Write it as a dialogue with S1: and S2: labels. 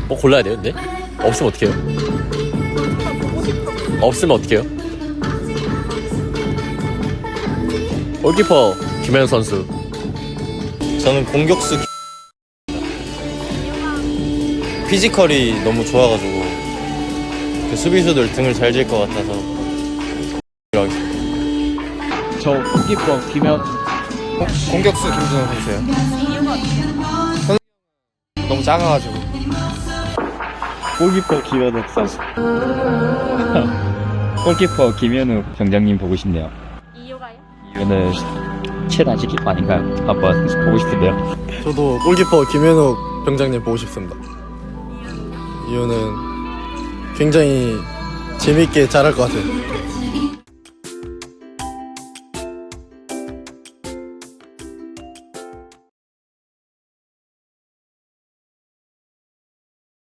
S1: 뭐 골라야 돼요, 근데? 없으면 어떡해요? 없으면 어떡해요? 골키퍼 김현 선수.
S2: 저는 공격수 피지컬이 너무 좋아가지고 그 수비수들 등을 잘 질 것 같아서 하겠습니다.
S3: 저 골키퍼 김현.
S2: 공격수 김준호 선수요. 너무 작아가지고.
S3: 골키퍼 김현욱 선수. 골키퍼 김현욱 병장님 보고 싶네요.
S4: 이유가요?
S3: 이유는 최단식 키퍼 아닌가요? 한번 보고 싶은데요.
S5: 저도 골키퍼 김현욱 병장님 보고 싶습니다. 이유는 굉장히 재밌게 잘할 것 같아요.